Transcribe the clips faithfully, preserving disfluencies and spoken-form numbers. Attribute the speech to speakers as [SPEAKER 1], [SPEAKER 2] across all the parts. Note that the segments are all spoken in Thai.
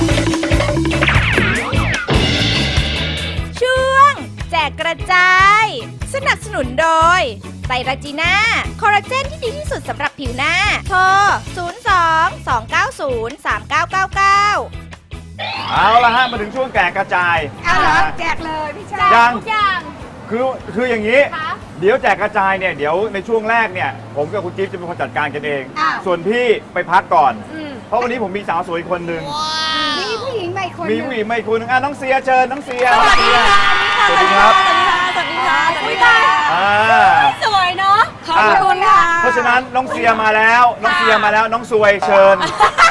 [SPEAKER 1] ช่วงแจกกระจาย สนับสนุนโดยไตรจีน่าคอลลาเจนที่ดีที่สุดสำหรับผิวหน้าโทร ศูนย์ สอง สอง เก้า ศูนย์ สาม เก้า เก้า เก้า
[SPEAKER 2] เอาละฮะมาถึงช่วงแจกกระจาย
[SPEAKER 3] เอาเหรอแจกเลยพี่ชาย
[SPEAKER 2] ยัง
[SPEAKER 3] ทุกอย่าง
[SPEAKER 2] คือคืออย่างนี้
[SPEAKER 3] คะ
[SPEAKER 2] เดี๋ยวแจกกระจายเนี่ยเดี๋ยวในช่วงแรกเนี่ยผมกับคุณจิ๊บจะเป็นคนจัดการกันเอง
[SPEAKER 3] อ้าว
[SPEAKER 2] ส่วนพี่ไปพักก่อน
[SPEAKER 3] อืม
[SPEAKER 2] เพราะวันนี้ผมมีสาวสวยอีกคนหนึ่ง
[SPEAKER 3] มีผู้หญิงใหม่คน
[SPEAKER 2] มี
[SPEAKER 3] หนึ่ง
[SPEAKER 2] ผู้หญิงมาอีกคนหนึงอ่ะน้องเสียเชิญน้องเสีย
[SPEAKER 3] สวัสดีค่ะ
[SPEAKER 2] สวัสดีครับ
[SPEAKER 3] สวัสดีค่ะสวัสดีค่ะสวัสดีค่ะ
[SPEAKER 2] อ่า
[SPEAKER 3] สวยเนาะขอบคุณค่ะ
[SPEAKER 2] เพราะฉะนั้นน้องเสียมาแล้วน้องเสียมาแล้วน้องสวยเชิญ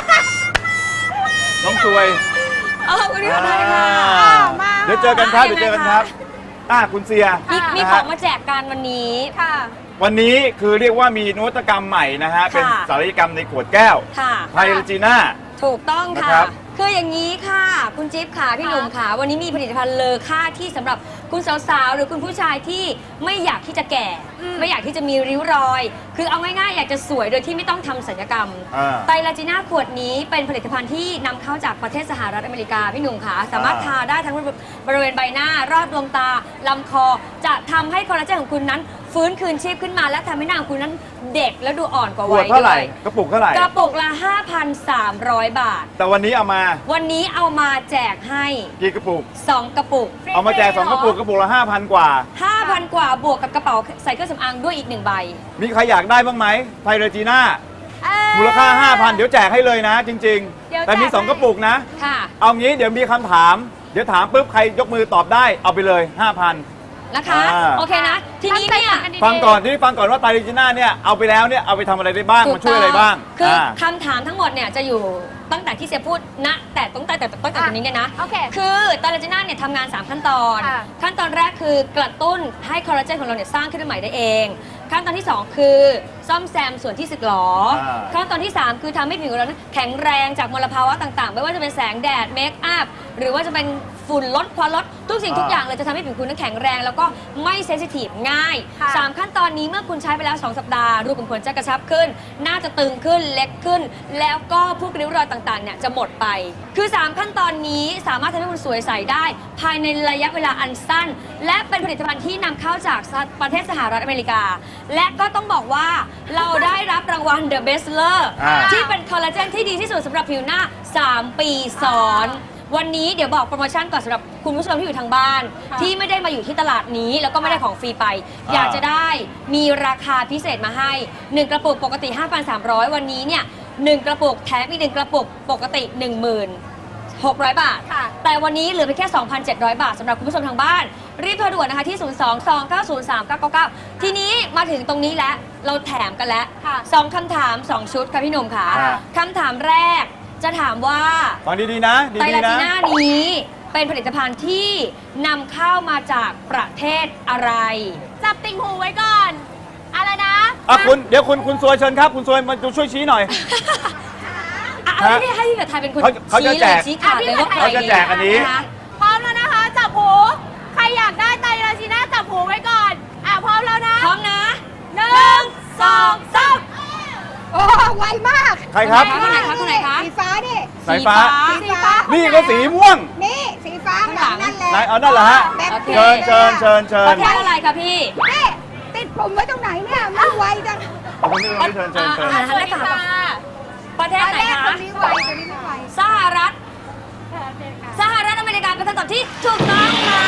[SPEAKER 2] น้องสวย
[SPEAKER 3] ขอบคุณค่ะ
[SPEAKER 2] อ่า
[SPEAKER 3] มา
[SPEAKER 2] เดี๋ยวเจอกันครับเดี๋ยวเจอกันครับอ่าคุณเสีย
[SPEAKER 4] มีมี
[SPEAKER 2] นะ
[SPEAKER 4] ขอ
[SPEAKER 2] ฮะ
[SPEAKER 4] งมาแจกกันวันนี้
[SPEAKER 3] ค่ะ
[SPEAKER 2] วันนี้คือเรียกว่ามีนวัตกรรมใหม่นะฮะ เป็นศัลยกรรมในขวดแก้ว
[SPEAKER 4] ค่ะ
[SPEAKER 2] ไพรจีน่า
[SPEAKER 4] ถูกต้อง
[SPEAKER 2] นะ
[SPEAKER 4] ค่ะ
[SPEAKER 2] ครับ
[SPEAKER 4] คืออย่างนี้ค่ะ คุณจิ๊บค่ะ พี่หนุ่มค่ะ วันนี้มีผลิตภัณฑ์เลอค่าที่สำหรับคุณสาวๆ หรือคุณผู้ชายที่ไม่อยากที่จะแก่ ไม่อยากที่จะมีริ้วรอย คือเอาง่ายๆ อยากจะสวยโดยที่ไม่ต้องทำศัลยกรรม
[SPEAKER 2] อ่า
[SPEAKER 4] ไตรลาจีน่าขวดนี้เป็นผลิตภัณฑ์ที่นำเข้าจากประเทศสหรัฐอเมริกาพี่หนุ่มค่ะ สามารถ
[SPEAKER 2] อ่า
[SPEAKER 4] ทาได้ทั้งบริเวณใบหน้ารอบดวงตาลำคอ จะทำให้คอลลาเจนของคุณนั้น ฟื้นคืนชีพขึ้นมาและทำให้หน้าของคุณนั้นเด็กและดูอ่อนกว่า
[SPEAKER 2] ขว
[SPEAKER 4] วั
[SPEAKER 2] ด
[SPEAKER 4] ย
[SPEAKER 2] เท่าไหร่
[SPEAKER 4] ด้วย
[SPEAKER 2] กระปุกเท่าไหร่
[SPEAKER 4] กระปุกละ ห้าพันสามร้อย บาท
[SPEAKER 2] แต่วันนี้เอามา
[SPEAKER 4] วันนี้เอามาแจกให้
[SPEAKER 2] กี่กระปุก
[SPEAKER 4] สอง กระปุก
[SPEAKER 2] เอามาแจกสองกระปุกกระปุกละห้าพันกว่า
[SPEAKER 4] ห้าพัน กว่าบวกกับกระเป๋าใส่เครื่องสำอางด้วยอีกหนึ่งใบ
[SPEAKER 2] มีใครอยากได้บ้างไหมไพรจีน่า
[SPEAKER 3] เอ่อ
[SPEAKER 2] มูลค่า ห้าพัน เดี๋ยวแจกให้เลยนะ จริง
[SPEAKER 3] เดี๋ยว
[SPEAKER 2] ๆ แต่มี
[SPEAKER 3] แจก
[SPEAKER 2] สอง
[SPEAKER 3] ให้
[SPEAKER 2] กระปุกนะ
[SPEAKER 4] ค่ะ
[SPEAKER 2] เอางี้เดี๋ยวมีคำถาม เดี๋ยวถามปุ๊บใครยกมือตอบได้เอาไปเลย ห้าพัน
[SPEAKER 4] นะคะ
[SPEAKER 2] อ่า
[SPEAKER 4] โอเคนะ ทีนี้เนี่ย
[SPEAKER 2] ฟังก่อนที่ฟังก่อนว่าไตรจีน่าเนี่ยเอาไปแล้วเนี่ยเอาไปทำอะไรได้บ้างมันช่วยอะไรบ้าง
[SPEAKER 4] คือ
[SPEAKER 2] อ่า
[SPEAKER 4] คำถามทั้งหมดเนี่ยจะอยู่ตั้งแต่ที่เสียพูดณแต่ตั้งแต่แต่ตั้งแต่ตรงนี้เนี่ยนะ
[SPEAKER 3] โอเค
[SPEAKER 4] คือไตรลาจีน่าเนี่ยทำงาน สาม ขั้นตอน
[SPEAKER 3] ค่ะ
[SPEAKER 4] ขั้นตอนแรกคือกระตุ้นให้คอลลาเจนของเราเนี่ยสร้างขึ้นมาใหม่ได้เอง ขั้นตอนที่ สอง คือซ่อมแซมส่วนที่สึกหรอ
[SPEAKER 2] อ่า
[SPEAKER 4] ขั้นตอนที่ สาม คือทำให้ผิวของเรานั้นแข็งแรงจากมลภาวะต่างๆ ไม่ว่าจะเป็นแสงแดดเมคอัพหรือว่าจะเป็นฝุ่นลดควันลดทุกสิ่งทุกอย่างเลยจะทำให้ผิวคุณนั้นแข็งแรง แล้วก็ไม่เซนซิทีฟง่าย
[SPEAKER 3] ค่ะ
[SPEAKER 4] สาม ขั้นตอนนี้เมื่อคุณใช้ไปแล้ว สอง สัปดาห์รูขุมขนจะกระชับขึ้น หน้าจะตึงขึ้นเล็กขึ้น แล้วก็พวกริ้วรอยต่างๆเนี่ยจะหมดไป คือ สาม ขั้นตอนนี้สามารถทำให้คุณสวยใสได้ ภายในระยะเวลาอันสั้น และเป็นผลิตภัณฑ์ที่นำเข้าจากประเทศสหรัฐอเมริกา และก็ต้องบอกว่าเราได้รับรางวัล The Best Seller
[SPEAKER 2] อ่า
[SPEAKER 4] ที่เป็นคอลลาเจนที่ดีที่สุดสำหรับผิวหน้า สาม ปีซ้อน วันนี้เดี๋ยวบอกโปรโมชั่นก่อนสำหรับคุณผู้ชมที่อยู่ทางบ้าน
[SPEAKER 3] ค่ะ
[SPEAKER 4] ที่ไม่ได้มาอยู่ที่ตลาดนี้แล้วก็ไม่ได้ของฟรีไป อยากจะได้มีราคาพิเศษมาให้ หนึ่ง กระปุกปกติ ห้าพันสามร้อย วันนี้เนี่ยหนึ่งกระปุกแถมอีกหนึ่งกระปุกปกติ หนึ่งหมื่นหกร้อย บาท
[SPEAKER 3] ค่ะ
[SPEAKER 4] แต่วันนี้เหลือเพียงแค่ สองพันเจ็ดร้อย บาทสำหรับคุณผู้ชมทางบ้าน รีบโทรด่วนนะคะที่ ศูนย์ สอง สอง เก้า ศูนย์ สาม เก้า เก้า เก้า ทีนี้มาถึงตรงนี้แล้วเราแถมกันแล้ว
[SPEAKER 3] ค่ะ
[SPEAKER 4] สองคำถามสองชุดค่ะพี่หนุ่มค่ะ
[SPEAKER 2] ค่ะ
[SPEAKER 4] คำถามแรกจะถามว่า
[SPEAKER 2] ฟังดีๆนะ
[SPEAKER 4] ไตร
[SPEAKER 2] ดี
[SPEAKER 4] ลา
[SPEAKER 2] ๆ
[SPEAKER 4] จี
[SPEAKER 2] นะ
[SPEAKER 4] น่านี้เป็นผลิตภัณฑ์ที่นำเข้ามาจากประเทศอะไร
[SPEAKER 3] จับติ่งหูไว้ก่อน อะไรนะ
[SPEAKER 2] อ่ะคุณเดี๋ยวคุณคุณซวยเชิญครับ คุณซวยมาดูช่วยชี้หน่อย
[SPEAKER 4] อ่ะ
[SPEAKER 2] ฮะ
[SPEAKER 4] ให้ให้พี่แบบไทยเป็นคน
[SPEAKER 2] เขาเขาจะ
[SPEAKER 4] ชี้
[SPEAKER 2] แจ
[SPEAKER 4] เลย
[SPEAKER 2] ก
[SPEAKER 4] ชี้ขาดเลยว่าใคร
[SPEAKER 2] เขาจะแจกอันนี้
[SPEAKER 4] ะคะ
[SPEAKER 3] พร้อมแล้วนะคะ จับหู ใครอยากได้ไตรลาจีน่าจับหูไว้ก่อน อ่ะพร้อมแล้วนะ
[SPEAKER 4] พร้อมนะ
[SPEAKER 3] หนึ่งสองสามโอ้ไวมาก
[SPEAKER 2] ใครครับ
[SPEAKER 4] คนไหนคะคนไหนคะ
[SPEAKER 3] สีฟ้านี่
[SPEAKER 2] สายฟ้า
[SPEAKER 3] สีฟ้า
[SPEAKER 2] นี่ก็สีม่วง
[SPEAKER 3] นี่ สีฟ้าข้างหลังนั่นแหละ
[SPEAKER 2] ไหนเอานั่นเหรอฮะ
[SPEAKER 3] แบบ
[SPEAKER 4] โอเค
[SPEAKER 2] เชิญเชิญเชิญเชิ
[SPEAKER 4] ป
[SPEAKER 2] ญ
[SPEAKER 4] ระเทศอะไรคะพี่
[SPEAKER 3] นี่ติดผมไว้ตรงไหนเนี่ยไม่ไวจัง
[SPEAKER 2] เอาคนนี้คนนี้เชิญเชิญเชิญ
[SPEAKER 4] อ่าหันหน้าค่ะประเทศไหน
[SPEAKER 3] ตอนแรก
[SPEAKER 4] คะ
[SPEAKER 3] คนนี้ไวคนนี้ไม่ไว
[SPEAKER 4] สหรัฐ สหรัฐอเมริกาเป็นคำตอบที่ถูกต้องค่ะ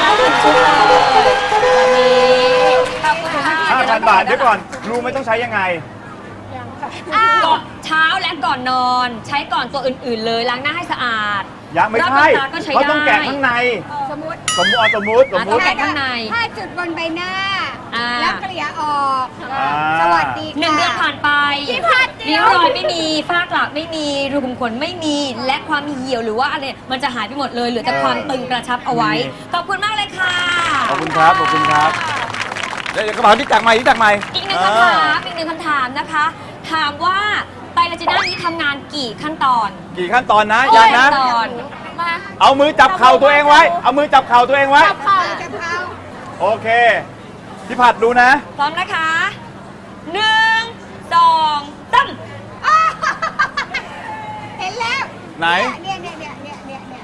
[SPEAKER 4] วันนี้ขอบคุณค่ะ
[SPEAKER 2] ห้าพันบาทเดี๋ยวก่อน รู้ไหมต้องใช้ยังไง
[SPEAKER 4] ก่อนเช้าและก่อนนอนใช้ก่อนตัวอื่นๆเลยล้างหน้าให้สะอาด
[SPEAKER 2] ยังไม่ใช่
[SPEAKER 4] รอบดวงตาก็ใช้
[SPEAKER 2] เขาต้อง
[SPEAKER 4] ได้
[SPEAKER 2] แกะข้างใน
[SPEAKER 3] สมมติ
[SPEAKER 2] สมมติเอาสมมติสมม
[SPEAKER 4] ต้อ
[SPEAKER 2] ติ
[SPEAKER 4] งแกะข้างใน
[SPEAKER 3] ห้าจุดบนใบหน้า
[SPEAKER 4] อ่า
[SPEAKER 3] แล้วเกลี่ยออก
[SPEAKER 2] อ่า
[SPEAKER 3] สวัสดีค่ะ
[SPEAKER 4] หนึ่งเดือนผ่านไป
[SPEAKER 3] พี่พัดเดี๋
[SPEAKER 4] ริ้
[SPEAKER 3] ยว ว
[SPEAKER 4] รอยไม่มีฝ้ากระไม่มีรูขุมขนไม่มีและความเหี่ยวหรือว่าอะไรมันจะหายไปหมดเลยเหลือแต่ความตึงกระชับเอาไว้ ขอบคุณมากเลยค่ะ
[SPEAKER 2] ขอบคุณครับ ขอบคุณครับ เดี๋ยวกระเป๋าที่จักใหม่ที่จักใหม่
[SPEAKER 4] อีกหนึ่งคำถามอีกหนึ่งคำถามนะคะ ถามว่าไตรลาจีน่านี้ทำงานกี่ขั้นตอน
[SPEAKER 2] กี่ขั้นตอนนะยังนะ
[SPEAKER 4] ขั้นตอน
[SPEAKER 3] มา
[SPEAKER 2] เอามือจับเข่าตัวเองไว้ เอามือจับเข่าตัวเองไว้
[SPEAKER 3] จับเข่าจับเข่า
[SPEAKER 2] โอเค พี่ผัดดูนะ
[SPEAKER 4] พร้อมนะคะหนึ่งสองสาม
[SPEAKER 3] เห็นแล้ว
[SPEAKER 2] ไหน
[SPEAKER 3] เนี่ยเนี่ยเนี่ย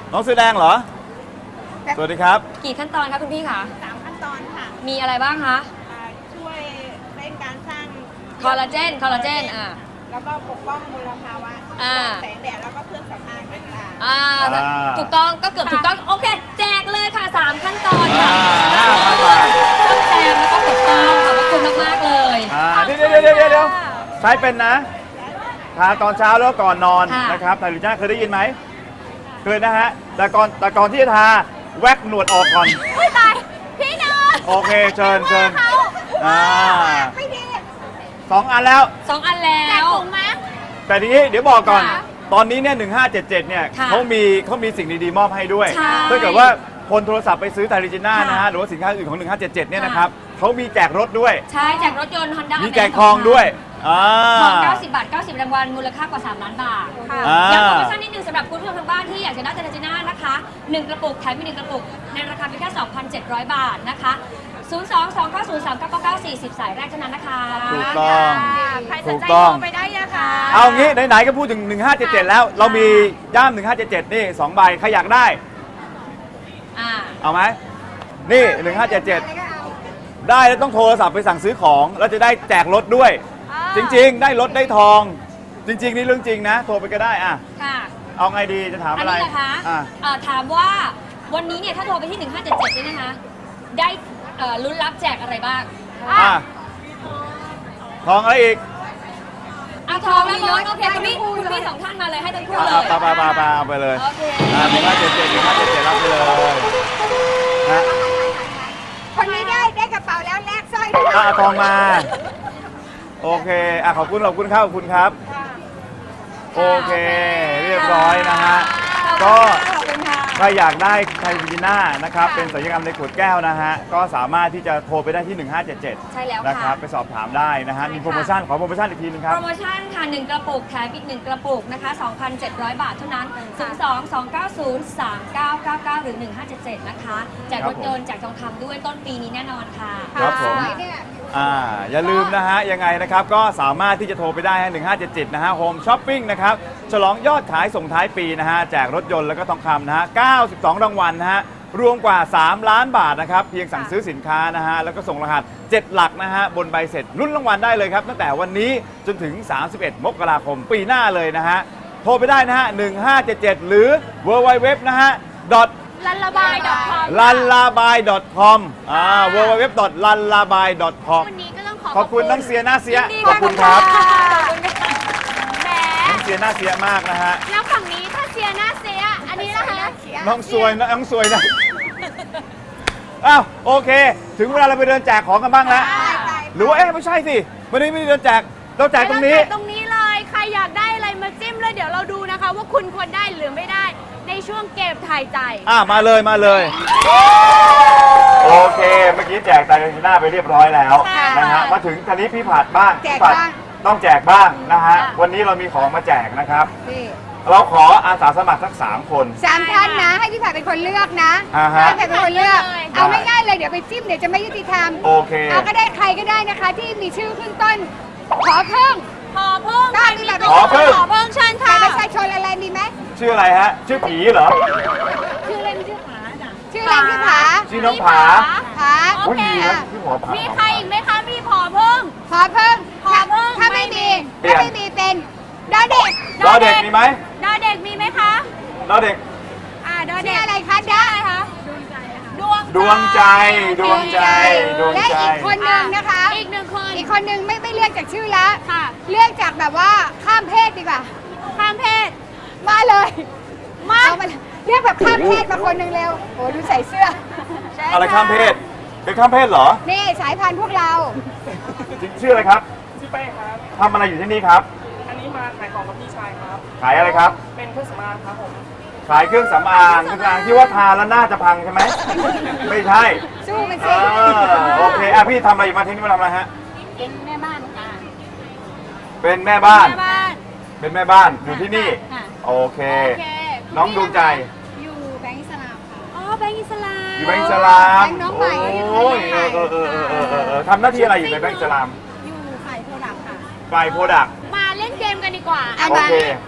[SPEAKER 2] น้องเสื้อแดงเหรอ สวัสดีครับ
[SPEAKER 4] กี่ขั้นตอนคะคุณพี่คะ
[SPEAKER 3] สามขั้นตอนค่ะ
[SPEAKER 4] มีอะไรบ้างคะ
[SPEAKER 3] อ่าช่วยเร่งการสร้าง
[SPEAKER 4] คอลลาเจน คอลลาเจน อ่า
[SPEAKER 3] แล้วก็ปกป้องมลภาวะ
[SPEAKER 4] อ่า
[SPEAKER 3] แสงแดดแล้วก็เครื่องสำอางต่างๆ
[SPEAKER 4] อ่า
[SPEAKER 2] อ่า
[SPEAKER 4] ถูกต้อง ก็เกือบถูกต้อง โอเค แจกเลยค่ะสามขั้นตอนค่ะ
[SPEAKER 2] อ่าห้าพันบาท
[SPEAKER 4] ต้องแจกแล้วก็ถูกต้องขอบพระคุณมากๆเลย
[SPEAKER 2] อ่าเดี๋ยวเดี๋ยวเดี๋ยวเดี๋ยวเดี๋ยวใช้เป็นนะทาตอนเช้าแล้วก่อนนอน
[SPEAKER 4] ค่ะ
[SPEAKER 2] นะครับไทลิจ้าเคยได้ยินไหมเคยนะฮะแต่ก่อนแต่ก่อนที่จะทาแว็กหนวดออกก่อน
[SPEAKER 3] อุ้ยตาย พี่นอน
[SPEAKER 2] โอเคเชิญเชิญ
[SPEAKER 3] เขา
[SPEAKER 2] อ่า
[SPEAKER 3] ไม่ดี
[SPEAKER 2] สองอันแล้ว
[SPEAKER 4] สองอันแล้
[SPEAKER 3] แจก
[SPEAKER 4] ว
[SPEAKER 3] ถุงไหม
[SPEAKER 2] แต่ทีนี้เดี๋ยวบอกก่อน
[SPEAKER 3] ค่ะ
[SPEAKER 2] ตอนนี้เนี่ยหนึ่งห้าเจ็ดเจ็ดเนี่ย
[SPEAKER 4] ค่ะ
[SPEAKER 2] เขามีเขามีสิ่งดีๆมอบให้ด้วย
[SPEAKER 4] ใช่
[SPEAKER 2] ถ้าเกิดว่าคนโทรศัพท์ไปซื้อไทลิจิน่า
[SPEAKER 4] ค่ะ
[SPEAKER 2] นะฮะหรือว่าสินค้าอื่นของหนึ่งห้าเจ็ดเจ็ดเนี่ย
[SPEAKER 4] ค่ะ
[SPEAKER 2] นะครับเขามีแจกรถด้วย
[SPEAKER 4] ใช่แจกรถยนต์ Honda
[SPEAKER 2] มีแจกทองด้วยอ่า
[SPEAKER 4] ทองเก้าสิบบาท เก้าสิบรางวัล มูลค่ากว่า สามล้านบาท
[SPEAKER 2] อ่า
[SPEAKER 4] ย้ำโปรโมชั่นนิดนึงสำหรับคุณผู้ชมทางบ้านที่อยากจะได้เทเลจิน่านะคะหนึ่งกระปุกแถมอีกหนึ่งกระปุก ในราคาเพียงแค่ สองพันเจ็ดร้อย บาทนะคะ ศูนย์ สอง สอง เก้า ศูนย์ สาม เก้า เก้า เก้า สี่ ศูนย์ สายแรกเท่านั้นนะคะ
[SPEAKER 2] ถูกต้อง
[SPEAKER 3] ใครสนใจ
[SPEAKER 2] ถูกต้อง
[SPEAKER 3] โทรไปได้นะคะ
[SPEAKER 2] เอางี้ไหนๆก็พูดถึงหนึ่งห้าเจ็ดเจ็ดแล้ว เรามีย่ามหนึ่งห้าเจ็ดเจ็ดนี่สองใบใครอยากได้
[SPEAKER 4] อ่า
[SPEAKER 2] เอาไหมนี่หนึ่งห้าเจ็ดเจ็ดได้แล้วต้องโทรศัพท์ไปสั่งซื้อของแล้วจะได้แจกรถด้วย จริงๆ ได้รถได้ทอง จริง ๆ นี่เรื่องจริงนะ โทรไปก็ได้อ่ะ
[SPEAKER 4] ค่ะ
[SPEAKER 2] เอาไงดีจะถาม
[SPEAKER 4] อัน
[SPEAKER 2] อะไร
[SPEAKER 4] นี้นะคะ
[SPEAKER 2] อ่ะ
[SPEAKER 4] เอ่อถามว่าวันนี้เนี่ยถ้าโทรไปที่ หนึ่งห้าเจ็ดเจ็ดเนี่ยนะคะ ได้เอ่อลุ้นรับแจกอะไรบ้าง
[SPEAKER 2] อ่ะทองอะไรอีก
[SPEAKER 4] อ่ะทองและรถโอเคคุณพี่คุณพี่สองท่านมาเลยให้ทั้งคู่
[SPEAKER 2] อ่ะ
[SPEAKER 4] เลย
[SPEAKER 2] ไปไปไปไปเอาไปเลย
[SPEAKER 4] โอเค
[SPEAKER 2] อ่ะหนึ่งห้าเจ็ดเจ็ดหนึ่งห้าเจ็ดเจ็ดรับไปเลยนะ
[SPEAKER 3] คนนี้ได้ได้กระเป๋าแล้วแลกสร้อยด้วย
[SPEAKER 2] อ่ะเอาทองมา โอเคอ่ะขอบคุณขอบคุณครับขอบคุณครับ โอเค เรียบร้อยนะฮะ ก็
[SPEAKER 4] ขอบคุณค่ะ
[SPEAKER 2] ใครอยากได้ไทลิจิน่านะครับ เป็นศัลยกรรมในขวดแก้วนะฮะ ก็สามารถที่จะโทรไปได้ที่ หนึ่งห้าเจ็ดเจ็ด
[SPEAKER 4] ใช่แล้ว
[SPEAKER 2] นะครั
[SPEAKER 4] ค่ะ
[SPEAKER 2] บ ไปสอบถามได้นะฮะ
[SPEAKER 4] ใช่ค่ะ
[SPEAKER 2] มีโปรโมชั่น ขอโปรโมชั่นอีกทีนึงครับ
[SPEAKER 4] โปรโมชั่นค่ะหนึ่งกระปุกแถมอีกหนึ่งกระปุกนะคะ สองพันเจ็ดร้อย บาทเท่านั้น ศูนย์ สอง สอง เก้า ศูนย์ สาม เก้า เก้า เก้า หรือ หนึ่งห้าเจ็ดเจ็ด นะคะแจกรถยนต์แจกทองคำด้วยต้นปีนี้แน่นอนค่ะ
[SPEAKER 2] ครับผม
[SPEAKER 3] สวยเนี่ย
[SPEAKER 2] อ่าอย่าลืมนะฮะ ยังไงนะครับ ก็สามารถที่จะโทรไปได้ฮะหนึ่งห้าเจ็ดเจ็ดนะฮะโฮมช้อปปิ้งนะครับ ฉลองยอดขายส่งท้ายปีนะฮะ แจกรถยนต์แล้วก็ทองคำนะฮะ เก้าสิบสอง รางวัลนะฮะ รวมกว่า สาม ล้านบาทนะครับ เพียงสั่งซื้อสินค้านะฮะ แล้วก็ส่งรหัสเจ็ดหลักนะฮะ บนใบเสร็จลุ้นรางวัลได้เลยครับ ตั้งแต่วันนี้จนถึง สามสิบเอ็ด มกราคมปีหน้าเลยนะฮะ โทรไปได้นะฮะหนึ่งห้าเจ็ดเจ็ดหรือ ดับเบิลยู ดับเบิลยู ดับเบิลยู นะฮะ
[SPEAKER 3] ลันละบายดอทคอม
[SPEAKER 2] ลันลาบาย .com อ่า ดับเบิลยู ดับเบิลยู ดับเบิลยู ดอท ลันลาบาย ดอท คอม
[SPEAKER 3] วันนี้ก็ต้องขอ
[SPEAKER 2] ขอบคุณน้องเสียหน้าเสีย
[SPEAKER 3] ยินดี
[SPEAKER 2] ขอบคุณครับ
[SPEAKER 3] ขอบคุณค่ะแหม
[SPEAKER 2] น้องเสียหน้าเสียมากนะฮะ
[SPEAKER 3] แล้วฝั่งนี้ถ้าเชียร์หน้าเสีย อันนี้นะคะ
[SPEAKER 2] น้องสวยนะน้องสวยนะ อ้าวโอเค ถึงเวลาเราไปเดินแจกของกันบ้างแล้ว หรือว่าเอ๊ะไม่ใช่สิวันนี้ไม่ได้เดินแจก เราแจกตรงนี้
[SPEAKER 3] ไปเาแจกตรงนี้เลย ใครอยากได้อะไรมาจิ้มเลยเดี๋ยวเราดูนะคะ ว่าคุณควรได้หรือไม่ได้ในช่วงเกมทายใจ
[SPEAKER 2] อ่ามาเลยมาเลย โอเค เมื่อกี้แจกไตรจีน่าไปเรียบร้อยแล้ว
[SPEAKER 3] ค่ะ
[SPEAKER 2] นะฮะ มาถึงทีนี้พี่ผัดบ้าง
[SPEAKER 3] แจก
[SPEAKER 2] พี่ผัด
[SPEAKER 3] บ้าง
[SPEAKER 2] ต้องแจกบ้างนะฮะ วันนี้เรามีของมาแจกนะครับ เราขออาสาสมัครสักสามคน
[SPEAKER 5] สามท่านนะ ให้พี่ผัดเป็นคนเลือกนะ
[SPEAKER 2] อ่าฮะ
[SPEAKER 5] ให้พี่ผัดเป็นคนเลือก
[SPEAKER 3] ได้
[SPEAKER 5] เอาง่ายๆเลยเดี๋ยวไปจิ้มเดี๋ยวจะไม่ยุติธรรม
[SPEAKER 2] โอเค
[SPEAKER 5] เอาก็ได้ใครก็ได้นะคะ ที่มีชื่อขึ้นต้น ขอเพิ่ง
[SPEAKER 3] พอเพิ่ง
[SPEAKER 5] ได้มีแบบ
[SPEAKER 2] ขอเพิ่ง
[SPEAKER 3] ขอเพิ่งเชิญ
[SPEAKER 5] บั
[SPEAKER 3] ค่ะ
[SPEAKER 5] ตรประชาชนอะไรมีไหม
[SPEAKER 2] ชื่ออะไรฮะ ชื่อผีเหรอ
[SPEAKER 5] ชื่อเล่นชื่อผาชื่อเล่นชื่อผา
[SPEAKER 2] ชื่อน้องผา
[SPEAKER 5] ผา
[SPEAKER 3] โอเค
[SPEAKER 2] ยดีนะพี่หมอผา
[SPEAKER 3] มีใครอีกไหมคะมีพอเพิ่ง
[SPEAKER 5] ขอเพิ่ง
[SPEAKER 3] ขอเพิ่ง
[SPEAKER 5] ถ้าไม่มี
[SPEAKER 2] เปลี่ย
[SPEAKER 5] ถ้าน ไม่มีเป็นดอเด็ก
[SPEAKER 2] ดอเด็กมีไหม
[SPEAKER 3] ดอเด็กมีไหมคะ
[SPEAKER 2] ดอเด็ก
[SPEAKER 3] อ่าดอ
[SPEAKER 5] ชื่
[SPEAKER 3] เด็
[SPEAKER 5] อก อะไรคะดา
[SPEAKER 3] อะไรคะดวง
[SPEAKER 2] ดวงใจ ดวงใจ ดวง
[SPEAKER 5] และ
[SPEAKER 2] ใจ
[SPEAKER 5] อีกคนนึงนะคะ
[SPEAKER 3] อีกหนึ่งคน
[SPEAKER 5] อีกคนนึงไม่ไม่เลือกจากชื่อละ
[SPEAKER 3] ค่ะ
[SPEAKER 5] เลือกจากแบบว่าข้ามเพศดีกว่า
[SPEAKER 3] ข้ามเพศ
[SPEAKER 5] มาเลย
[SPEAKER 3] มา
[SPEAKER 5] เอามาเรียกแบบข้ามเพศมาคนหนึ่งเร็วโอ้ดูใส่เสื้อ
[SPEAKER 2] อะไรข้ามเพศ เป็นข้ามเพศเหรอ
[SPEAKER 5] นี่สายพันธุ์พวกเรา
[SPEAKER 2] จริงชื่ออะไรครับ
[SPEAKER 6] ชื่อเป้ครับ
[SPEAKER 2] ทำอะไรอยู่ที่นี่ครับ
[SPEAKER 6] อันนี้มาขายของกับพี่ชายครับ
[SPEAKER 2] ขายอะไรครับ
[SPEAKER 6] เป็นเครื่องสำอางครับผม
[SPEAKER 2] ขายเครื่องสำอางเครื่องสำอางที่ว่าทาแล้วหน้าจะพังใช่ไหม ไม่ใช่
[SPEAKER 5] สู้มัน
[SPEAKER 2] เอ
[SPEAKER 5] สิ
[SPEAKER 2] อโอเคอ่ะพี่ทำอะไรอยู่มาที่นี่มาทำอะไรฮะ
[SPEAKER 5] เป็นแม่บ้านค่ะ
[SPEAKER 2] เป็นแม่บ้าน
[SPEAKER 3] แม่บ้าน
[SPEAKER 2] เป็นแม่บ้านอยู่ที่นี่
[SPEAKER 5] ค่ะ
[SPEAKER 2] โอเค
[SPEAKER 3] โอเค
[SPEAKER 2] น้องดวงใจ
[SPEAKER 5] อยู่แบงก์อิสลามค่ะ
[SPEAKER 3] อ๋อแบงค์อิสลาม
[SPEAKER 2] อยู่แบงก์อิสลาม
[SPEAKER 5] แบงก์น้องใหม่
[SPEAKER 2] โอ้ยเออเออเออเออเออเออเออทำหน้าที่อะไรอยู่ในแบงก์อิสลาม
[SPEAKER 5] อยู่ฝ่ายโปรดักต์ค่ะ
[SPEAKER 2] ฝ่ายโปรดักต์
[SPEAKER 3] มาเล่นเกมกันดีกว่า
[SPEAKER 5] อ่ะ
[SPEAKER 2] โอเค
[SPEAKER 3] ใคร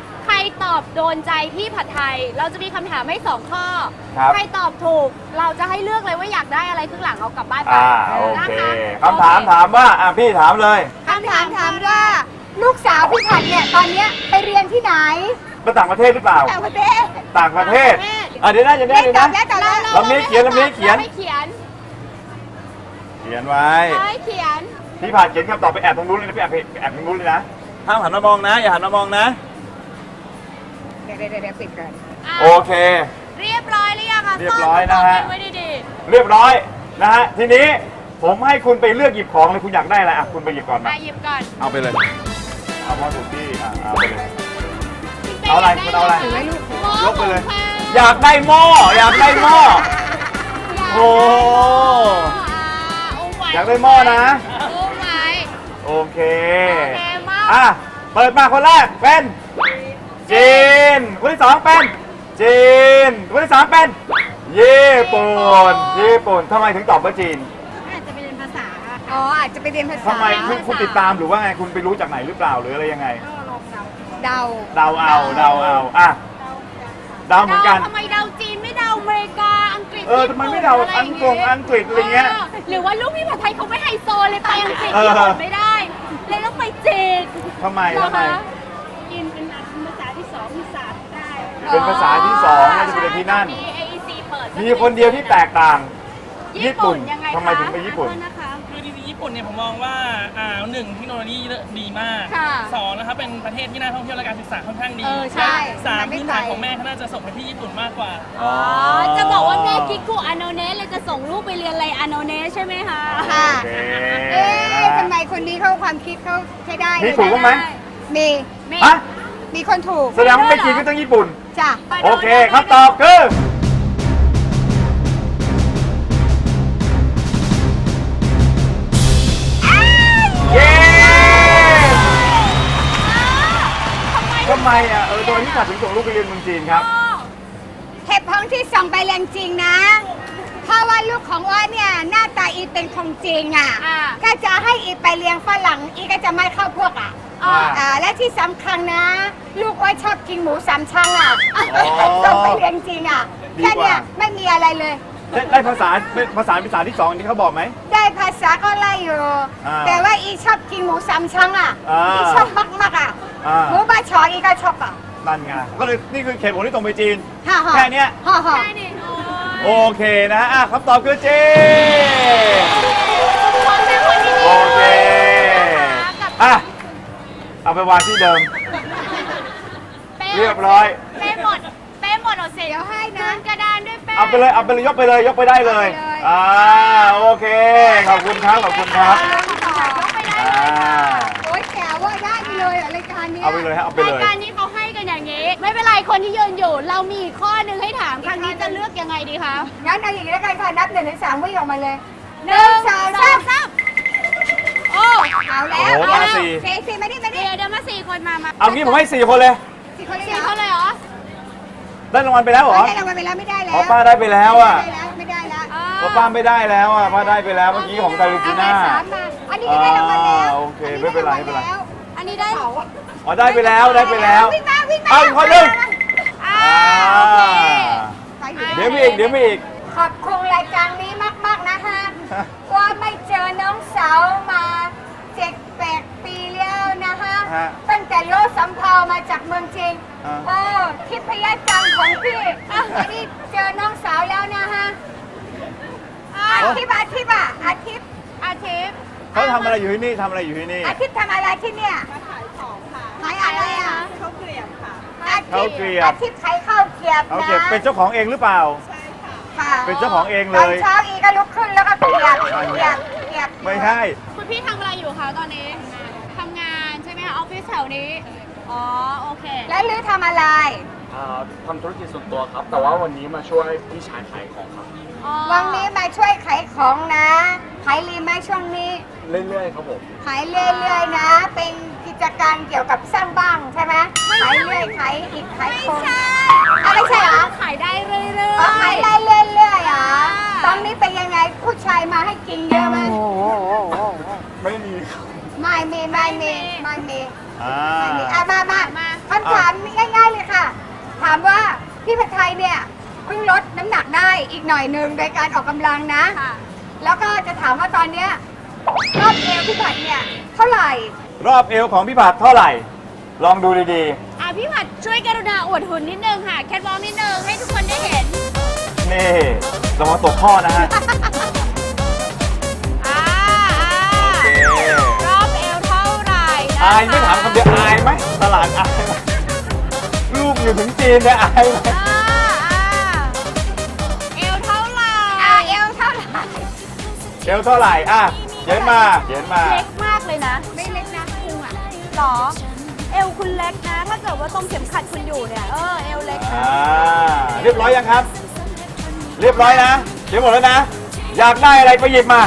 [SPEAKER 3] ตอบโดนใจพี่ผัดไทย เราจะมีคำถามให้สองข้อ
[SPEAKER 2] ครับ
[SPEAKER 3] ใครตอบถูก เราจะให้เลือกเลยว่าอยากได้อะไรครึ่งหลังเอากลับบ้านไป
[SPEAKER 2] อ่าโอ
[SPEAKER 3] นะ
[SPEAKER 2] เค
[SPEAKER 3] คะ
[SPEAKER 2] คำถามถามว่าอ่ะพี่ถามเลย
[SPEAKER 5] คำถามถามว่า ลูกสาวพี่ผัดเนี่ยตอนเนี้ยไปเรียนที่ไหน
[SPEAKER 2] ไปต่างประเทศหรือเปล่า
[SPEAKER 5] ต่างประเทศ
[SPEAKER 2] ต่างประเทศอ่ะเดี๋ยวนะเดี๋ยวนะ
[SPEAKER 5] ไม่
[SPEAKER 2] เดี๋ยว
[SPEAKER 5] ตอ
[SPEAKER 2] นะ
[SPEAKER 5] บแล้วตอบแล้ว
[SPEAKER 2] ลำนี้เขียนลำนี้เขียน
[SPEAKER 3] ราให้เขียน
[SPEAKER 2] เขียนไว้
[SPEAKER 3] เราให้เขียน
[SPEAKER 2] พี่ผ่านเขียนคำตอบไปแอบตรงนู้นเลยนะไปแอบไปแอบตรงนู้นเลยนะห้ามหันมามองนะ อย่าหันมามองนะ
[SPEAKER 5] เดี๋ยวเดี๋ยวเดี๋ยวปิดก่อน
[SPEAKER 3] อ่ะ
[SPEAKER 2] โอเค
[SPEAKER 3] เรียบร้อยหรือยังคะ
[SPEAKER 2] เรียบร้อยนะฮะ
[SPEAKER 3] ซ่อมไว้ดี
[SPEAKER 2] เรียบร้อยนะฮะทีนี้ผมให้คุณไปเลือกหยิบของเลยคุณอยากได้อะไรอ่ะคุณไปหยิบก่อน
[SPEAKER 3] ๆ
[SPEAKER 2] มา
[SPEAKER 3] มาหยิบก่อน
[SPEAKER 2] เอาไปเลย เอาพอถูกที่อ่ะเอาไปเลย เอาอะไรคุณเอาอะไร
[SPEAKER 5] ถือไว้ลูก
[SPEAKER 2] ยกไปเลย อยากได้หม้ออยากได้หม้อโอ้ อยากได้หม้อนะ
[SPEAKER 3] โอ้ไง
[SPEAKER 2] โอเค
[SPEAKER 3] โอเคหม้อ
[SPEAKER 2] อ่ะเปิดมาคนแรกเป็นจีนคนที่สองเป็นจีนคนที่สามเป็นญี่ปุ่นญี่ปุ่นทำไมถึงตอบว่าจีน
[SPEAKER 5] อาจจะไปเรียนภาษา อ๋อ อาจจะไปเรียนภาษา
[SPEAKER 2] ทำไมคุณคุณติดตามหรือว่าไงคุณไปรู้จากไหนหรือเปล่าหรืออะไรยังไง
[SPEAKER 5] เดา
[SPEAKER 2] เดาเอาเดาเอาอ่ะเดาเหมือนกัน
[SPEAKER 3] ทำไมเดาจีนไม่เดาอเมริกา อังกฤษ
[SPEAKER 2] เออทำไมไม่เดา
[SPEAKER 3] ญี่ปุ่น
[SPEAKER 2] อังกฤษอังกฤษอะไรเงี้ย
[SPEAKER 3] หรือว่าลูกพี่ผัดไทยเขาไม่ไฮโซเลยไปอังกฤษ
[SPEAKER 2] เออ
[SPEAKER 3] ญี่ปุ่นไม่ได้ เลยต้องไปจีน
[SPEAKER 2] ทำไม
[SPEAKER 3] เหรอ
[SPEAKER 2] ทำไม
[SPEAKER 3] คะ
[SPEAKER 5] จีนเป็นภาษาที่สองที่สามได้
[SPEAKER 2] เป็นภาษาที่สองน่าจะเป็นที่นั่น
[SPEAKER 3] มี เอ อี ซี เปิด
[SPEAKER 2] มีคนเดียวที่แตกต่าง ญี่ปุ่น
[SPEAKER 3] ยังไงคะ
[SPEAKER 2] ทำไมถึงไปญี่ปุ่น
[SPEAKER 3] ขอโทษนะคะ
[SPEAKER 6] คือจริงๆญี่ปุ่นเนี่ยผมมองว่าอ่าหนึ่งเทคโนโลยีดีมาก
[SPEAKER 3] ค่ะ
[SPEAKER 6] สองนะครับเป็นประเทศที่น่าท่องเที่ยวและการศึกษาค่อนข้างดี
[SPEAKER 5] เออใช่
[SPEAKER 6] สาม
[SPEAKER 5] มันไม่
[SPEAKER 6] พื้นฐาน
[SPEAKER 5] ไกล
[SPEAKER 6] ของแม่เขาน่าจะส่งไปที่ญี่ปุ่นมากกว่า
[SPEAKER 3] อ๋อ จะบอกว่าแม่คิกุอาโนเนะเลยจะส่งลูกไปเรียนอะไรอาโนเนะใช่ไหมคะ
[SPEAKER 5] ค่ะ
[SPEAKER 2] โอเค
[SPEAKER 5] เอ๊ะ
[SPEAKER 2] นะ
[SPEAKER 5] ทำไมคนนี้เขาความคิดเขาใช้ได้
[SPEAKER 2] มี
[SPEAKER 5] เลย
[SPEAKER 2] ถูกบ้างไหม
[SPEAKER 5] มี
[SPEAKER 3] ไม่
[SPEAKER 2] ฮะ
[SPEAKER 5] มีคนถูก
[SPEAKER 2] แสดงว่าไม่จีนก็ต้องญี่ปุ่น
[SPEAKER 5] จ้ะ
[SPEAKER 2] โอเคคำตอบคือเย้ทำไมอ่ะเออตัวที่ขัดถึงส่งลูกไปเรียนเมืองจีนครับ
[SPEAKER 5] เหตุผลที่ส่งไปเรียนจริงนะ เพราะว่าลูกของอ้อเนี่ยหน้าตาอีเป็นของจริงอ่ะ
[SPEAKER 3] อ่า
[SPEAKER 5] ก็จะให้อีไปเลี้ยงฝรั่งอีก็จะไม่เข้าพวกอ่ะ
[SPEAKER 2] อ่า
[SPEAKER 5] อ่าและที่สำคัญนะ ลูกอ้อชอบกินหมูสามชั้นอ่ะ
[SPEAKER 2] อ๋อ
[SPEAKER 5] ส่งไปเรียนจริงอ่ะ
[SPEAKER 2] ดีกว่า
[SPEAKER 5] แค่เนี้ยไม่มีอะไรเลย
[SPEAKER 2] ได้ได้ภาษาเป็นภาษาภาษาที่สองที่เขาบอกไหม
[SPEAKER 5] ได้ภาษาก็ไล่อยู่
[SPEAKER 2] อ่า
[SPEAKER 5] แต่ว่าอีชอบกินหมูสามชั้นอ่ะ
[SPEAKER 2] อ่า
[SPEAKER 5] อีชอบมากๆอ่ะ
[SPEAKER 2] อ่า
[SPEAKER 5] หมูบาชออีก็ชอบอ่ะ
[SPEAKER 2] นั่นไงก็เลยนี่คือเหตุผลที่ตรงไปจีน
[SPEAKER 5] ฮ่าฮ่า
[SPEAKER 2] แค่เนี้ย
[SPEAKER 5] ฮ่าฮ่า
[SPEAKER 3] ใช่ดิโอ้
[SPEAKER 2] โอย เคนะฮะอ่ะคำตอบคือจีน
[SPEAKER 3] คนเป็นคนที่ดี
[SPEAKER 2] โอเค
[SPEAKER 3] นะคะกับ
[SPEAKER 2] อ่ะ เอาไปวางที่เดิม
[SPEAKER 3] เป้
[SPEAKER 2] เรียบร้อย
[SPEAKER 3] เป้หมดเป้หมดเอาเสร็จ
[SPEAKER 5] เดี๋ยวให้นะ
[SPEAKER 3] คืนกระดานด้วยเป้
[SPEAKER 2] เอาไปเลย เอาไปเลย ยกไปเลย ยกไปได้เลย
[SPEAKER 5] เอาไปเลย
[SPEAKER 2] อ่า โอเค ขอบคุณครับ ขอบคุณครับ
[SPEAKER 3] ยกไปได้
[SPEAKER 2] อ่า
[SPEAKER 5] โอ๊ยแกว่าได้ไปเลยอะรายการเนี้ย
[SPEAKER 2] เอาไปเลยฮะ เอาไป
[SPEAKER 3] รา
[SPEAKER 2] เลย ย
[SPEAKER 3] การนี้เขาให้กันอย่างนี้ ไม่เป็นไรคนที่ยืนอยู่ เรามีอีกข้อหนึ่งให้ถามครั้งนี้จะเลือกยังไงดีคะ
[SPEAKER 5] งั้นเอาอย่างนี้แล้วกันค่ะนับหนึ่งถึงสามวิ่งออกมาเลยหนึ่งสองสาม
[SPEAKER 3] สามโอ้
[SPEAKER 5] เอาแล้ว
[SPEAKER 2] โอ้โห
[SPEAKER 5] เอา
[SPEAKER 2] มา
[SPEAKER 5] แล้ว
[SPEAKER 2] สี่
[SPEAKER 5] สี่สี่มาดิมาดิ
[SPEAKER 3] เดี๋ยวเดี๋ยวมาสี่คนมามา
[SPEAKER 2] เอางี้ผมให้สี่คนเลย
[SPEAKER 5] สี่คนเลย
[SPEAKER 3] สี่
[SPEAKER 5] เหร
[SPEAKER 3] ค
[SPEAKER 5] อน
[SPEAKER 3] เลยเหรอ
[SPEAKER 2] ได้รางวัลไปแล้วเหรอ
[SPEAKER 5] ไม่ได้รางวัลไปแล้วไม่ได้แล้ว
[SPEAKER 2] อ๋อป้าได้ไปแล้วอ่ะ
[SPEAKER 5] ไม่ได้แล้วไม่ได้แล้ว
[SPEAKER 2] เพราะป้าไม่ได้แล้วอ่ะ ป้าได้ไปแล้ว เมื่อกี้ของไทรูจิน่า
[SPEAKER 5] เอมาสามมาอันนี้ก็ได้รางวัลแล้ว
[SPEAKER 2] อ่าโอเคไม่เป็นไรไม่เป็นไร
[SPEAKER 3] อันนี้ได้
[SPEAKER 5] เขา
[SPEAKER 2] อ๋อ ได้ไปแล้ว ได้ไปแล้ว
[SPEAKER 5] วิ่งมาวิ่งมา
[SPEAKER 2] เอาอีกคนหนึ่ง
[SPEAKER 3] อ่า
[SPEAKER 2] อ่า
[SPEAKER 3] โอเค
[SPEAKER 5] ไปอยู่
[SPEAKER 2] เดี๋ยวมีอีก เดี๋ยวมีอีก
[SPEAKER 5] ขอบคุณรายการนี้มากๆนะฮะว่าไม่เจอน้องสาวมาเจ็ดแปดปีแล้วนะฮะ
[SPEAKER 2] ฮะ
[SPEAKER 5] ตั้งแต่โลดสำเภามาจากเมืองจีน
[SPEAKER 2] อ่า
[SPEAKER 5] โอ้ทิพยจังของพี่อ่ะอันนี้เจอน้องสาวแล้วนะฮะอาทิตย์อาทิตย์อ่ะอาทิตย์
[SPEAKER 3] อาทิตย์
[SPEAKER 2] เขาทำอะไรอยู่ที่นี่ทำอะไรอยู่ที่นี่
[SPEAKER 5] อาทิตย์ทำอะไรที่เนี่ยขายของค่ะขายอะไรอ่ะข้าวเกลียบค่ะ
[SPEAKER 2] ข้าวเกลียบ
[SPEAKER 5] อาทิตย์ขายข้าวเกลียบ
[SPEAKER 2] เขา
[SPEAKER 5] นะ
[SPEAKER 2] เก็บเป็นเจ้าของเองหรือเปล่า
[SPEAKER 5] ค่ะ
[SPEAKER 2] เป็นเจ้าของเองเล
[SPEAKER 5] ตอน
[SPEAKER 2] ย
[SPEAKER 5] เช้าอีก็ลุกขึ้นแล้วก็เกลียบเกลียบเกลียบ
[SPEAKER 2] ไม่ใช่
[SPEAKER 3] คุณพี่ทำอะไรอยู่คะตอนนี้ทำงานใช่ไหมคะออฟฟิศแถวนี้ อ๋อ โอเค
[SPEAKER 5] แล้วลือทำอะไร
[SPEAKER 7] อ่าทำธุรกิจส่วนตัวครับ แต่ว่าวันนี้มาช่วยพี่ชายขายของครับ
[SPEAKER 3] อ๋อ
[SPEAKER 5] วันนี้มาช่วยขายของนะขายรีไหมช่วงนี้
[SPEAKER 7] เรื่อยๆครับผม
[SPEAKER 5] ขายเรื่อยๆนะ เป็นกิจการเกี่ยวกับสร้างบ้านใช่ไหมขายเรื่อยขายอีกขาย
[SPEAKER 3] ไม่
[SPEAKER 5] คน
[SPEAKER 3] ใช่
[SPEAKER 5] อ่ะไม่ใช่เหรอ
[SPEAKER 3] ขายได้เรื่อยๆ
[SPEAKER 5] อ๋อขายได้เรื่อยๆเหรอตอนนี้เป็นยังไงผู้ชายมาให้กินเยอะไหม
[SPEAKER 2] ไม่มีครับ
[SPEAKER 5] ไม่มีไม่มีไม่มี
[SPEAKER 2] อ่า
[SPEAKER 5] ไม่มีอ่ะมามา
[SPEAKER 3] มา
[SPEAKER 5] คำถามง่ายๆเลยเนี่ยเพิ่งลดน้ำหนักได้อีกหน่อยหนึ่งโดยการออกกำลังนะ
[SPEAKER 3] ค่ะ
[SPEAKER 5] แล้วก็จะถามว่าตอนเนี้ยรอบเอวพี่ผัดเนี่ยเท่าไหร่
[SPEAKER 2] รอบเอวของพี่ผัดเท่าไหร่ ลองดูดี
[SPEAKER 3] อ่ะพี่ผัดช่วยกรุณาอวดหุ่นนิดนึงค่ะ แคทวอล์กนิดนึงให้ทุกคนได้เห็น
[SPEAKER 2] ๆ นี่ระวังตกข้อนะฮะ
[SPEAKER 3] อ่า
[SPEAKER 2] โอเค
[SPEAKER 3] รอบเอวเท่าไหร่นะคะ
[SPEAKER 2] อายไม่ถามคำเดียวอายไหมตลาดอายไหมลูกอยู่ถึงจีนเนี่ยอายไหม
[SPEAKER 3] อ่าอ่าเอวเท่าไหร่
[SPEAKER 5] อ่าเอวเท่าไหร่
[SPEAKER 2] เอวเท่าไหร่อ่ะเขียนมาเขียนมา
[SPEAKER 3] เล็กมากเลยนะ
[SPEAKER 5] ไม่เล็กนะพุงอ่ะ
[SPEAKER 3] หรอ เอวคุณเล็กนะ ถ้าเกิดว่าตรงเข็มขัดคุณอยู่เนี่ย เออ เอวเล็กนะ
[SPEAKER 2] อ่าเรียบร้อยยังครับ เรียบร้อยนะเขียนหมดแล้วนะ อยากได้อะไรไปหยิบมา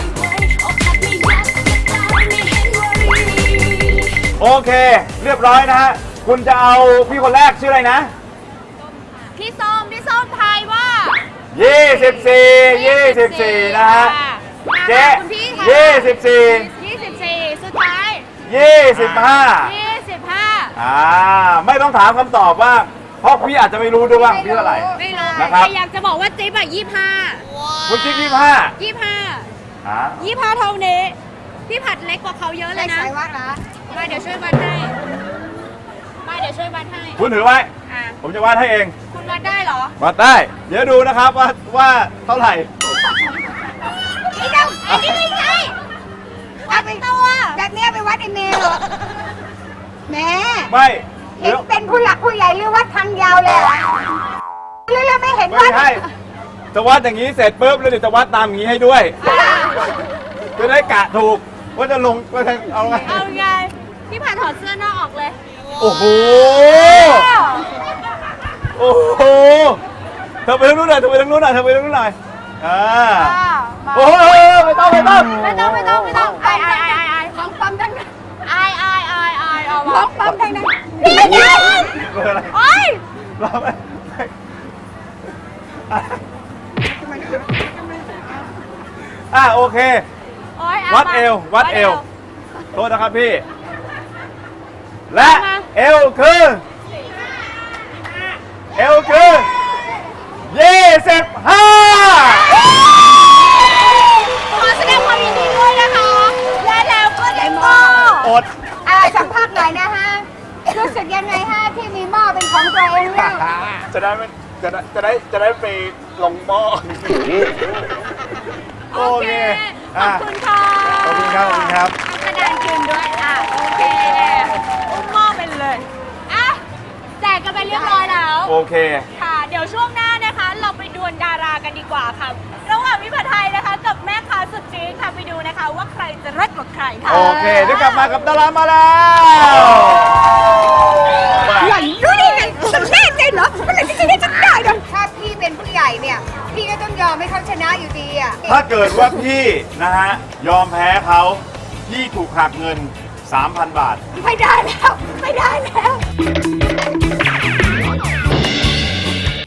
[SPEAKER 2] โอเค เรียบร้อยนะฮะ คุณจะเอาพี่คนแรกชื่ออะไรนะ
[SPEAKER 3] พี่ส้ม พี่ส้มทายว่า
[SPEAKER 2] ยี่สิบสี่ยี่สิบสี่นะฮะ เจ๊
[SPEAKER 3] คุณพี่ค่ะ
[SPEAKER 2] ยี่สิบสี่
[SPEAKER 3] ยี่สิบสี่สุดท้าย
[SPEAKER 2] ยี่สิบห้า
[SPEAKER 3] ยี่สิบห้า
[SPEAKER 2] อ่า ไม่ต้องถามคำตอบว่า เพราะพี่อาจจะไม่รู้ด้วยว่าพี่เท่าไหร่
[SPEAKER 3] ไม่รู้
[SPEAKER 2] นะครับ
[SPEAKER 3] แต่อยากจะบอกว่าจิ๊บอะยี่ห้า
[SPEAKER 2] คุณจิ๊บยี่ห้า
[SPEAKER 3] ยี่ห้า
[SPEAKER 2] อ่า
[SPEAKER 3] ยี่ห้าเท่านี้ พี่ผัดเล็กกว่าเขาเยอะเล
[SPEAKER 5] ไม่
[SPEAKER 3] ยนะ
[SPEAKER 5] ใช่ว่านะ
[SPEAKER 3] มาเดี๋ยวช่วยวัดให้ มาเดี๋ยวช่วยวัดให้
[SPEAKER 2] คุณถือไว้
[SPEAKER 3] อ่ะ
[SPEAKER 2] ผมจะวาดให้เอง
[SPEAKER 3] คุณวัดได้เหรอ
[SPEAKER 2] วัดได้ เดี๋ยวดูนะครับว่าว่าเท่าไหร่
[SPEAKER 5] นี่เดา
[SPEAKER 3] อันนี้ไม่ใช่
[SPEAKER 5] เอาไปตัวแบบเนี้ยไปวัดไอเมลเหรอแหม่
[SPEAKER 2] ไม่
[SPEAKER 5] เห็น
[SPEAKER 2] เดี๋ยว
[SPEAKER 5] เป็นผู้หลักผู้ใหญ่หรือวัดทางยาวเลยเหรอเรื่องไม่เห็น
[SPEAKER 2] ไม่
[SPEAKER 5] วัด
[SPEAKER 2] ใช่จะวัดอย่างนี้เสร็จปุ๊บแล้วเดี๋ยวจะวัดตามอย่างนี้ให้ด้วย จะได้กะถูกว่าจะลงว่าจะเอาไง
[SPEAKER 3] เอาไง พี่ผัดถอดเสื้อนอกออกเลย
[SPEAKER 2] โอ้โห โอ้โห เธอไปทางนู้นหน่อย เธอไปทางนู้นหน่อย เธอไปทางนู้นหน่อย อ่า
[SPEAKER 3] มา
[SPEAKER 2] โอ้โหไม่ต้องไม่ต้อง
[SPEAKER 3] ไม่ต้องไม่ต้องไม่ต้องไอไอไอไอ
[SPEAKER 5] ของปั๊มทั้งนั้น
[SPEAKER 3] ไอไอไอไอเอา
[SPEAKER 5] ข
[SPEAKER 3] มา
[SPEAKER 5] องปั๊มทั้งนั้น
[SPEAKER 2] เบอร์อะไร
[SPEAKER 3] โอ้ย
[SPEAKER 2] รอไปอ่ะโอเค
[SPEAKER 3] โอ้ยา
[SPEAKER 2] วัด
[SPEAKER 3] มา
[SPEAKER 2] เอว วัดเอว โทษนะครับพี่ และ
[SPEAKER 3] มา
[SPEAKER 2] เอวคือ เอวคือยี่สิบห้า
[SPEAKER 3] ขอแสดงความยินดีด้วยนะคะ และแล้วก็ได้หม้อ
[SPEAKER 2] อด
[SPEAKER 5] อ่าสัมภาษณ์หน่อยนะฮะรู้สึกยังไงฮะที่มีหม้อเป็นของตัวเองเนี่ย
[SPEAKER 2] จะได้ไม่จะได้จะได้จะได้ไปลงหม้อ
[SPEAKER 3] โอเค ขอบคุณค่ะ
[SPEAKER 2] ขอบคุณครับ ขอบคุณครับ
[SPEAKER 3] แสดงคืนด้วย อ่ะ โอเคอุ้มหม้อไปเลย อ่ะ แจกกันไปเรียบร้อยแล้ว
[SPEAKER 2] โอเค
[SPEAKER 3] ค่ะ เดี๋ยวช่วงหน้านะคะ เราไปดวลดารากันดีกว่าค่ะ ระหว่างวิภาไทยนะคะ กับแม่ค้าสุดจี๊ดค่ะ ไปดูนะคะ ว่าใครจะเลิศกว่าใครค่ะ
[SPEAKER 2] โอเค เดี๋ยวกลับมากับดารามาแล้ว
[SPEAKER 5] หล่อนรู้ได้ไงฉันแน่ใจเหรอเมื่อไหร่ที่จะได้ฉันได้เนาะถ้าพี่เป็นผู้ใหญ่เนี่ย พี่ก็ต้องยอมให้เขาชนะอยู่ดีอ่ะ
[SPEAKER 2] ถ้าเกิดว่าพี่นะฮะ ยอมแพ้เขาพี่ถูกหักเงิน สามพัน บาท
[SPEAKER 5] ไม่ได้แล้ว ไม่ได้แล้ว